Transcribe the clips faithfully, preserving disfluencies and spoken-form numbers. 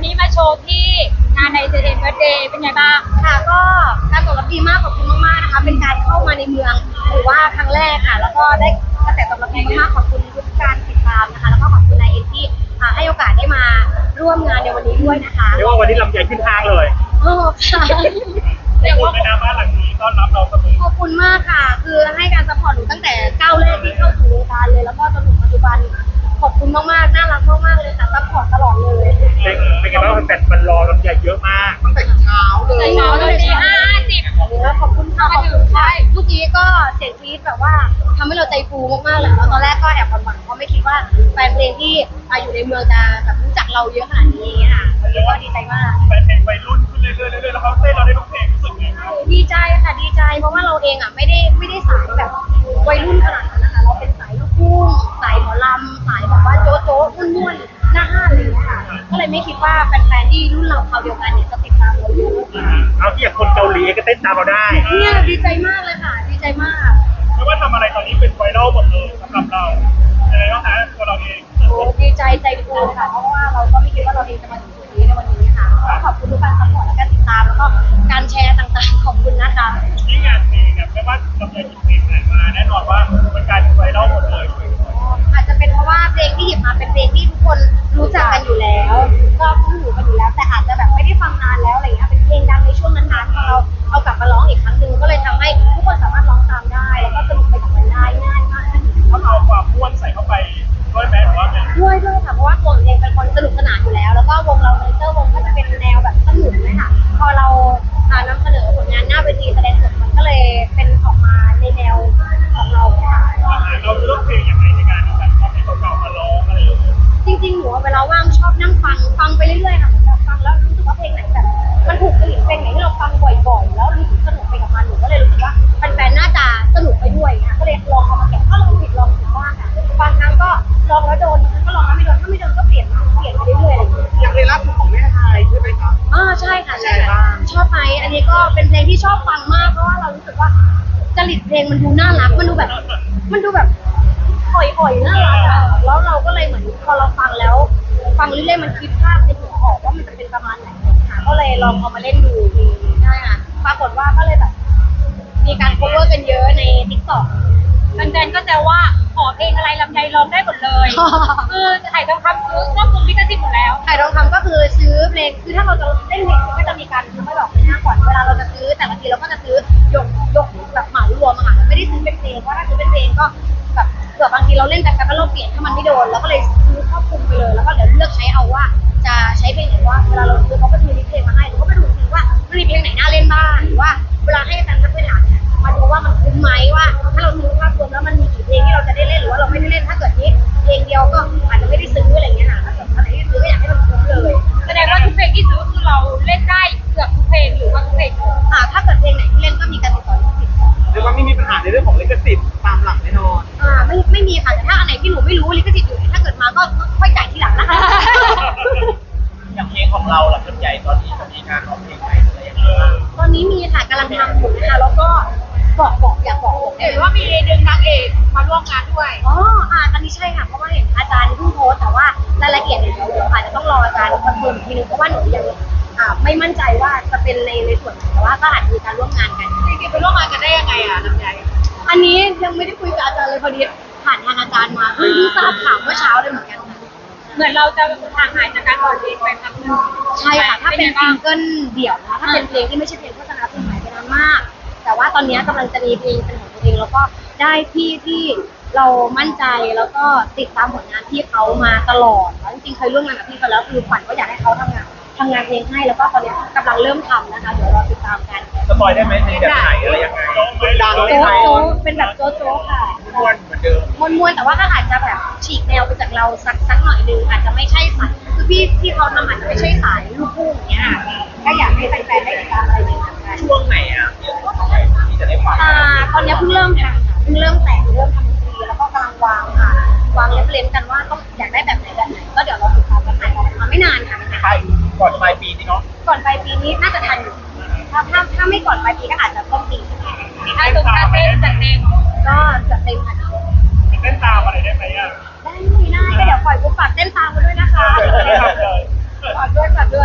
นี้มาโชว์ที่งานในเซเดนเบิร์ดเดย์เป็นไงบ้างค่ะก็การตอบรับดีมากขอบคุณมากๆนะคะเป็นการเข้ามาในเมืองหรือว่าครั้งแรกค่ะแล้วก็ได้กระแสตอบรับดีมากๆขอบคุณทุกการติดตามนะคะแล้วก็ขอบคุณนายเอ็นที่ให้โอกาสได้มาร่วมงานในวันนี้ด้วยนะคะเรียกว่าวันนี้ลำใหญ่ขึ้นห้างเลยโอ้ค่ะเรียกว่าเป็นน้ำบ้านหลังนี้ต้อนรับเราเสมอขอบคุณมากค่ะคือให้การซัพพอร์ตหนูตั้งแต่ก้าวแรกที่เข้าสู่วงการเลยแล้วก็จนถึงปัจจุบันขอบคุณมากๆน่ารักมากๆเลยค่ะซัพพอร์ตตลอดเลยเป็นเป็นไงบ้างแฟนมันรอลำใหญ่เยอะมากตั้งแต่เช้าเลยเช้าเลยตีห้าสิบขอบคุณค่ะขอบคุณค่ะเมื่อกี้ก็เสียงกรี๊ดแบบว่าทำให้เราใจฟูมากๆเลยแล้วตอนแรกก็แอบหวั่นๆเพราะไม่คิดว่าแฟนเพลงที่อยู่ในเมืองจะแบบรู้จักเราเยอะขนาดนี้ค่ะวันนี้ก็ดีใจมากแฟนเพลงวัยรุ่นขึ้นเรื่อยๆเรื่อยๆแล้วเขาเต้นเราได้ทุกเพลงรู้สึกไงครับดีใจค่ะดีใจเพราะว่าเราเองอ่ะไม่ได้ไม่ได้สายแบบวัยรุ่นขนาดนั้นนะคะเราเป็นสายลูกทุ่งสายหมอลำสายแบบว่าโจ๊ะโจ๊ะม่วนๆหน้าห้านเลยค่ะก็เลยไม่คิดว่าแฟนๆที่รุ่นเราเขาเดียวกันเนี่ยจะติดตามเราเยอะเอาที่อย่างคนเกาหลีก็เต้นตามเราได้เนี่ยดีใจมากเลยค่ะดีใจมากไม่ว่าทำอะไรตอนนี้เป็นไวรัลหมดเลยสำหรับเรายังไงบ้างคะตัวเราเองโอ้ดีใจใจฟูค่ะเพราะว่าเราก็ไม่คิดว่าเราเองจะมาถึงจุดนี้ในวันนี้ค่ะขอบคุณทุกการซัพพอร์ตและการติดตามแล้วก็การแชร์ต่างๆขอบคุณนะคะยิ่งงานเพลงเนี่ยไม่ว่าจะเป็นเพลงไหนมาแน่นอนว่าเป็นการไวรัลหมดเลยอาจจะเป็นเพราะว่าเพลงที่หยิบมาเป็นเพลงที่ทุกคนรู้จักกันอยู่แล้วก็คุ้นหูกันอยู่แล้วแต่อาจจะแบบไม่ได้ฟังนานแล้วอะไรอย่างเงี้ยเป็นเพลงดังในช่วงนั้นๆพอเราเอากลับมาร้องอีกครั้งหนึ่งก็เลยทำให้ทุกคนสามารถร้องตามได้แล้วก็สนุกไปกับมันได้ง่ายมากขึ้นเขาเอาความม่วนใส่เข้าไปด้วยไหมหรือว่าไงด้วยด้วยค่ะเพราะว่าตัวเองเป็นคนสนุกสนานอยู่แล้วแล้วก็วงเราเนเตอร์วงก็จะเป็นแนวแบบสนุกเลยค่ะพอเรานำเสนอผลงานหน้าเวทีแสดงสดมันก็เลยเป็นออกมาในแนวของเราค่ะเราเลือกเพลงอย่างไรในการที่แบบเอาเพลงเก่าๆมาร้องอะไรอย่างเงี้ยจริงๆหนูเวลาว่างชอบนั่งฟังฟังไปเรื่อยๆค่ะเหมือนแบบฟังแล้วรู้สึกว่าเพลงไหนแบบมันถูกจริตเพลงไหนที่เราฟังบ่อยๆแล้วรู้สึกสนุกไปกับมันหนูก็เลยรู้สึกว่าแฟนๆน่าจะสนุกไปด้วยค่ะก็เลยลองเอามาแกะก็ลองผิดลองถูกบ้างค่ะบางครั้งก็ลองแล้วโดนก็ลองแล้วไม่โดนถ้าไม่โดนก็เปลี่ยนเปลี่ยนไปเรื่อยๆอะไรอย่างเงี้ยอย่างเพลงล่าสุดของแม่ไทยใช่ไหมคะอ๋อใช่ค่ะใช่ค่ะชอบไหมอันนี้ก็เป็นเพลงที่ชอบฟังมากเพราะว่าเรารู้สึกว่าจริตเพลงมันดูน่ารักมันดูแบบมันดูแบบอ่อยๆน่ารักอ่ะแล้วเราก็เลยเหมือนพอเราฟังแล้วฟังเรื่อยๆมันคิดภาพในหัวออกว่ามันจะเป็นประมาณไหนค่ะก็เลยลองเอามาเล่นดูใช่ค่ะปรากฏว่าก็เลยแบบมีการ cover กันเยอะใน TikTok แฟนๆก็แซวว่าขอเพลงอะไรลำไยร้องได้หมดเลยคือถ่ายทองคำซื้อครอบคลุมลิขสิทธิ์หมดแล้วถ่ายทองคำก็คือซื้อเพลงคือถ้าเราจะเล่นเพลงก็จะมีการซื้อไม่บอกเลยนะก่อนเวลาเราจะซื้อแต่ละทีเราก็จะซื้อยกยกแบบเหมารวมอะค่ะไม่ได้ซื้อเป็นเพลงเพราะถ้าซื้อเป็นเพลงก็แบบเผื่อบางทีเราเล่นแต่กันแล้วเราเปลี่ยนถ้ามันไม่โดนเราก็เลยซื้อครอบคลุมไปเลยแล้วก็เดี๋ยวเลือกใช้เอาว่าจะใช้เพลงไหนว่าเวลาเราซื้อเขาก็จะมีเพลงมาให้เราก็ไปดูซิว่ามันมีเพลงไหนน่าเล่นบ้างหรือว่าเวลาให้แฟนทักไปถามเนี่ยมาดูว่ามันคุ้มไหมว่าถ้าเราซื้อภาพรวมแล้วมันมีกี่เพลงที่เราจะได้เล่นหรือว่าเราไม่ได้เล่นถ้าเกิดนี้เพลงเดียวก็อาจจะไม่ได้ซื้ออะไรเงี้ยค่ะถ้าเกิดอะไรที่ซื้อก็อยากให้มันคุ้มเลยแสดงว่าทุกเพลงที่ซื้อคือเราเล่นได้เกือบทุกเพลงหรือว่าทุกเพลงค่ะถ้าเกิดเพลงไหนที่เล่นก็มีการติดต่อลิขสิทธิ์เรียกว่าไม่มีปัญหาในเรื่องของลิขสิทธิ์ตามหลักแน่นอนอ่าไม่ไม่มีค่ะแต่ถ้าอันไหนที่หนูไม่รู้ลิขสิทธิ์อยู่ไหนถ้าเกิดมาก็ค่อยจ่ายทีหลังนะคะอย่างเพลงของเราหลักใหญ่ตอนนี้จะมีการออกเพลงใหม่อะไรอย่างเงี้ยตอนนี้มีค่ะกำลังทำอยู่นะคะแล้วก็บอกบอกอยากบอกบอกเห็นว่ามีดึงนางเอกมาร่วมงานด้วยอ๋ออ่าตอนนี้ใช่ค่ะเพราะว่าเห็นอาจารย์เพิ่งโพสแต่ว่ารายละเอียดเนี่ยเดี๋ยวอาจจะต้องรออาจารย์คอนเฟิร์มอีกทีนึงเพราะว่าหนูยังอ่าไม่มั่นใจว่าจะเป็นในในส่วนไหนแต่ว่าก็อาจจะมีการร่วมงานกันจริงๆไปร่วมงานกันได้ยังไงอ่ะลำไยอันนี้ยังไม่ได้คุยกับอาจารย์เลยพอดีผ่านทางอาจารย์มาเพิ่งทราบข่าวเมื่อเช้าเลยเหมือนกันค่ะเหมือนเราจะห่างหายจากการปล่อยเพลงไปพักนึงใช่ค่ะถ้าเป็นซิงเกิลเดี่ยวนะถ้าเป็นเพลงที่ไม่ใช่เพลงโฆษณาคือหายไปนานมากแต่ว่าตอนนี้กำลังจะมีเพลงเป็นของตัวเองแล้วก็ได้พี่ที่เรามั่นใจแล้วก็ติดตามผลงานพี่เขามาตลอดแล้วจริงๆเคยร่วมงานกับพี่เขาแล้วคือฝันก็อยากให้เขาทำงานทำงานเพลงให้แล้วก็ตอนนี้กำลังเริ่มทำนะคะเดี๋ยวรอติดตามกันสปอยได้ไหมเพลงแบบไหนอะไรยังไงดังโจ๊ะโจ๊ะเป็นแบบโจ๊ะโจ๊ะค่ะม้วนเหมือนเดิมม้วนๆแต่ว่าก็อาจจะแบบฉีกแนวไปจากเราสักสักหน่อยนึงอาจจะไม่ใช่สายคือพี่ที่เขาทำอาจจะไม่ใช่สายลูกทุ่งอย่างเงี้ยก็อยากให้แฟนๆได้ติดตามอะไรอย่างเงี้ยช่วงไหนอ่ะที่จะได้ฟังอ่าตอนนี้เพิ่งเริ่มทำค่ะเพิ่งเริ่มแต่งเริ่มทำดนตรีแล้วก็กำลังวางค่ะวางเล็บเล้มกันว่าต้องอยากได้แบบไหนแบบไหนก็เดี๋ยวเราติดตามกันถ่ายออกมาไม่นานค่ะใช่ก่อนปลายปีนี่เนาะก่อนปลายปีนี้น่าจะทันอยู่ถ้าถ้าถ้าไม่ก่อนปลายปีก็อาจจะต้นปีถ้าตรงท่าเต้นจัดเต็มก็จัดเต็มค่ะเต้นตามอะไรได้ไหมอ่ะได้ได้ก็เดี๋ยวปล่อยปุ๊บฝากเต้นตามมาด้วยนะคะฝากด้วยฝากด้วย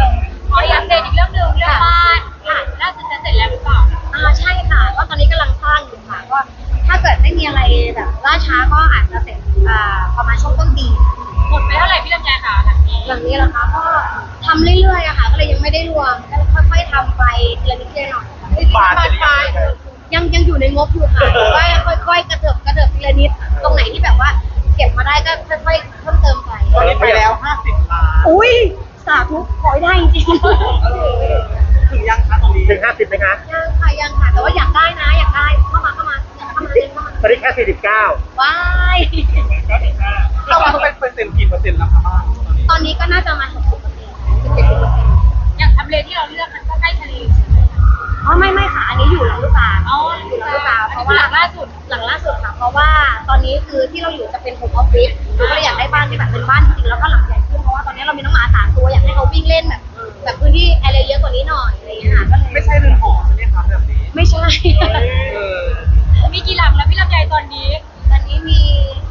นี้เหรอคะก็ทำเรื่อยๆอะค่ะ ก็เลยยังไม่ได้รวมก็ค่อยๆทำไปทีละนิดทีละหน่อยบานจะได้ยังไงยังยังอยู่ในงบอยู่ค่ะแต่ว่าค่อยๆกระเถิบกระเถิบทีละนิดตรงไหนที่แบบว่าเก็บมาได้ก็ค่อยๆเพิ่มเติมไปตอนนี้ไปแล้วห้าสิบล้านอุ้ยสาธุขอให้ได้จริงถึงยังคะตรงนี้ถึงห้าสิบไหมคะๆยังค่ะยังค่ะแต่ว่าอยากได้นะอยากได้เข้ามาเข้ามาอยากเข้ามาเล่นเข้ามาตอนนี้แค่สี่สิบเก้าว้ายก็อีกห้าเข้ามาต้องเป็นเปอร์เซ็นต์กี่เปอร์เซ็นต์แล้วคะบ้างตอนนี้ตอนนี้ก็น่าจะมาหกสิบเปอร์เซ็นต์สิบเจ็ดสิบเปอร์เซ็นต์อย่างทำเลที่เราเลือกมันก็ใกล้ทะเลอ๋อไม่ไม่ค่ะอันนี้อยู่หลังลูกตาลอ๋ออยู่หลังลูกตาลเพเพราะราะว่าว่าหลังล่าสุดหลังล่าสุดค่ะเพราะว่าตอนนี้คือที่เราอยู่จะเป็นโฮมออฟฟิศเราก็เลยอยากได้บ้านที่แบบเป็นบ้านจริงๆแล้วก็หลังใหญ่ขึ้นเพราะว่าตอนนี้เรามีน้องหมาสามตัวอยากให้เขาวิ่งเล่นแบบแบบพื้นที่แอเรียเยอะกว่านี้หน่อยอะไรอย่างเงี้ยค่ะก็เลยไม่ใช่เรือนหอใช่ไหมคะแบบนี้ไม่ใช่เออมีกี่หลังแล้วพี่ลำไยตอนนี้ตอนนี้มี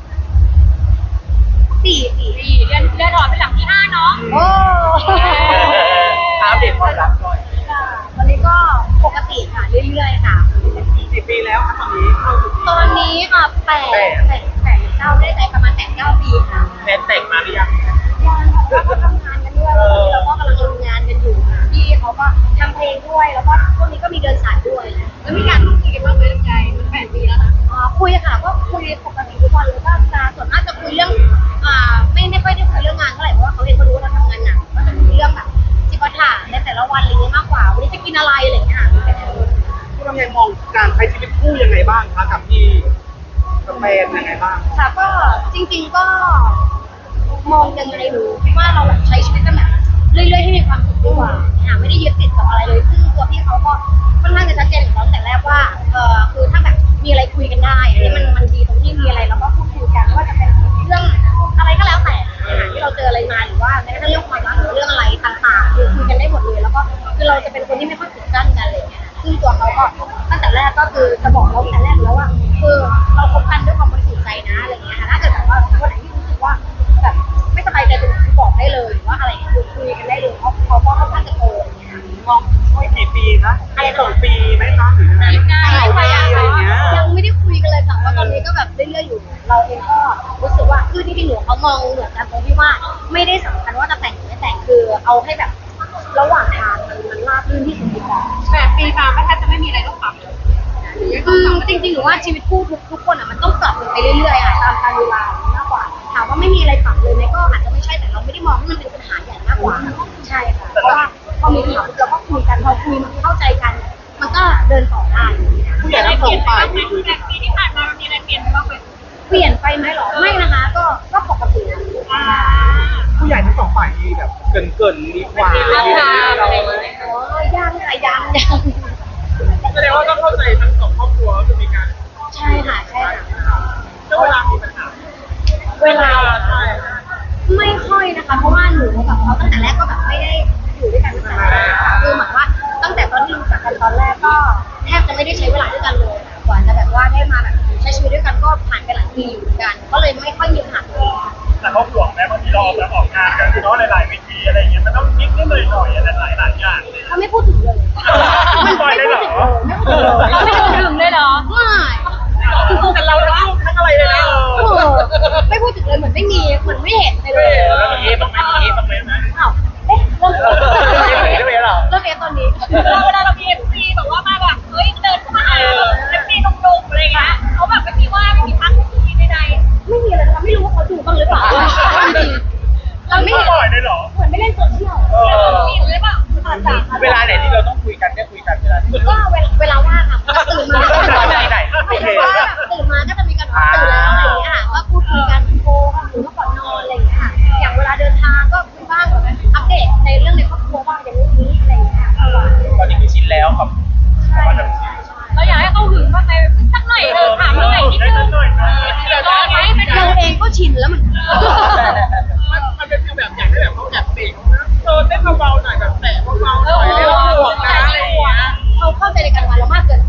สี่สี่สี่เดือนเดือนหอเป็นหลังที่ห้าเนาะโอ้อัปเดตความรักหน่อยตอนนี้ก็ปกติค่ะเรื่อยๆค่ะกี่ปีแล้วคะตอนนี้เข้าสู่ปีตอนนี้ค่ะแปดแปดแปดเก้าได้ใจประมาณแปดเก้าปีค่ะแฟนแต่งมาหรือยังยังค่ะแล้วก็ทำงานกันด้วยแล้วก็กำลังทำงานกันอยู่ค่ะพี่เขาก็ทำเพลงด้วยแล้วก็ช่วงนี้ก็มีเดินสายด้วยแล้วมีการพูดคุยกันบ้างไหมลำไยมันแปดปีแล้วนะอ๋อคุยค่ะก็คุยปกติทุกวันเลยก็จะส่วนมากจะคุยเรื่องอ่าไม่ไม่ค่อยได้คุยเรื่องงานเท่าไหร่เพราะว่าเขาเองก็รู้ว่าเราทำงานหนักก็จะคุยเรื่องแบบจิปาถะในแต่ละวันอะไรเงี้ยมากกว่าวันนี้จะกินอะไรอะไรเงี้ยค่ะพี่ลำไยมองการใช้ชีวิตคู่ยังไงบ้างคะกับพี่กับแฟนยังไงบ้างค่ะก็จริงๆก็มองยังไงหนูคิดว่าเราแบบใช้ชีวิตกันแบบเรื่อยๆให้มีความสุขดีกว่าอ่ะไม่ได้ยึดติดกับอะไรเลยซึ่งตัวพี่เขาก็ค่อนข้างจะชัดเจนอยู่แล้วตั้งแต่แรกว่าเออคือถ้าแบบมีอะไรคุยกันได้อันนี้มันมันดีตรงที่มีอะไรเราก็พูดคุยกันไม่ว่าจะเป็นเรื่องอะไรก็แล้วแต่นะคะที่เราเจออะไรมาหรือว่าแม้กระทั่งเรื่องความรักหรือเรื่องอะไรต่างๆคือคุยกันได้หมดเลยแล้วก็คือเราจะเป็นคนที่ไม่ค่อยปิดกั้นกันอะไรอย่างเงี้ยซึ่งตัวเขาก็ตั้งแต่แรกก็คือจะบอกเราตั้งแต่แรกแล้วว่าคือเราคบกันด้วยความบริสุทธิ์ใจนะอะไรอย่างเงี้ยค่ะถ้าเกิดแบบว่าวันไหนที่รู้สึกว่าแบบไม่สบายใจตรงไหนคือบอกได้เลยหรือว่าอะไรคือคุยกันได้เลยเขาเขาก็ค่อนข้างจะโตอย่างเงี้ยค่ะมองไม่กี่ปีนะอะไรสองปีไหมคะหรือยังไงยังไงเก้าปีอะไรอย่างเงี้ยยังไม่ได้คุยกันเลยค่ะเพราะตอนนี้ก็แบบเรื่อยๆอยู่ เราเองก็รู้สึกว่าคือที่พี่หนูเขามองเหมือนกันตรงที่ว่าไม่ได้สำคัญว่าจะแต่งหรือไม่แต่งคือเอาให้แบบระหว่างทางมันมันราบรื่นที่สุดดีกว่าแปดปีมาไม่แทบจะไม่มีอะไรต้องปรับเลยคือจริงๆหนูว่าชีวิตคู่ทุกทุกคนอ่ะมันต้องปรับกันไปเรื่อยๆอ่ะตามกาลเวลามากกว่าถามว่าไม่มีอะไรปรับเลยไหมก็อาจจะไม่ใช่แต่เราไม่ได้มองว่ามันเป็นปัญหาใหญ่มากกว่าใช่ค่ะเพราะว่าพอมีปัญหาเราก็คุยกันพอคุยมันเข้าใจกัน มันก็เดินต่อได้ผู้ใหญ่ทั้งสองฝ่ายมีคุยแปดปีที่ผ่านมามันมีอะไรเปลี่ยนไปบ้างไหมเปลี่ยนไปไหมหรอไม่นะคะก็ก็ปกติอ่าผู้ใหญ่ทั้งสองฝ่ายมีแบบเกินเกินๆดีกว่ามีราคาเราไหมอ๋อยังค่ะยังยังแสดงว่าต้องเข้าใจทั้งสองครอบครัวก็คือมีการใช่ค่ะใช่ค่ะเรื่องเวลามีปัญหาเวลาใช่ไม่ค่อยนะคะ เพราะว่าหนูกับเขาตั้งแต่แรกก็แบบไม่ได้อยู่ด้วยกันตั้งแต่แรกค่ะคือเหมือนว่าตั้งแต่ตอนที่รู้จักกันตอนแรกก็แทบจะไม่ได้ใช้เวลาด้วยกันเลยค่ะกว่าจะแบบว่าได้มาแบบใช้ชีวิตด้วยกันก็ผ่านไปหลายปีอยู่เหมือนกัน ก็เลยไม่ค่อยมีปัญหาเลยแต่เขาห่วงแม้บางทีเราออกแล้วออกงานกันคือเนาะหลายๆเวทีอะไรอย่างเงี้ยมันต้องนิดนิดหน่อยหน่อยอะไรหลายหลายๆอย่างเลยเขาไม่พูดถึงเลยไม่ปล่อยเลยเหรอไม่พูดถึงเลยเราไม่ถึงเลยเหรอไม่แต่เราทั้งลูกทั้งอะไรเลยนะเออไม่พูดถึงเลยเหมือนไม่มีเหมือนไม่เห็นไปเลยแล้วมีเอฟบ้างไหมมีเอฟบ้างไหมนะอ้าวเอ๊ะเริ่มเริ่มเริ่มเอฟเหรอเริ่มเอฟตอนนี้เราเวลาเรามีเอฟซีแบบว่ามาแบบเฮ้ยเดินเข้ามาหาเอฟซีนุ่มๆอะไรเงี้ยเขาแบบไม่มีว่าไม่มีทักไม่มีใดไม่มีเลยนะคะไม่รู้ว่าเขาดูบ้างหรือเปล่าจริงๆเราไม่ไม่เห็นปล่อยเลยเหรอเหมือนไม่เล่นโซเชียลเออๆมีหรือเปล่าอาจจะเวลาไหนที่เราต้องคุยกันได้คุยกันเวลาที่ก็เวลาเวลาว่างค่ะก็ตื่นมาก็จะไหนไหนโอเคว่าแบบตื่นมาก็จะมีการตื่นแล้วอะไรอย่างเงี้ยค่ะก็พูดคุยกันโทรหรือว่าก่อนนอนอะไรอย่างเงี้ยค่ะอย่างเวลาเดินทางก็คุยบ้างแบบอัปเดตในเรื่องในครอบครัวบ้างอย่างนี้นี้อะไรอย่างเงี้ยตอนนี้คือชินแล้วครับใช่ใช่ใช่เราอยากให้เขาหึงบ้างไหมสักหน่อยเออถามหน่อยนิดนึงหน่อยนะเดี๋ยวรอไหมเป็นเราเองก็ชินแล้วเหมือนกันมันเป็นฟีลแบบอยากให้แบบเขาแบบเบรกนะเออเต้นเบาๆหน่อยแบบแตะเบาๆหน่อยไม่ต้องห่วงนะอะไรอย่างเงี้ยเขาเข้าใจในการงานเรามากเกินไป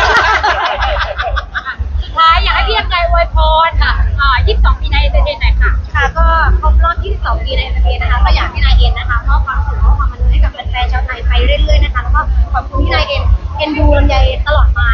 สุดท้ายอยากให้พี่ยังไงอวยพรค่ะอ่ายี่สิบสองปีในเดือนไหนค่ะค่ะก็ครบรอบยี่สิบสองปีในประเทศนะคะก็อยากให้นายเอ็นนะคะมอบความสุขมอบความบันเทิงให้กับแฟนๆชาวไทยไปเรื่อยๆนะคะแล้วก็ขอบคุณที่นายเอ็นเอ็นดูลำไยตลอดมา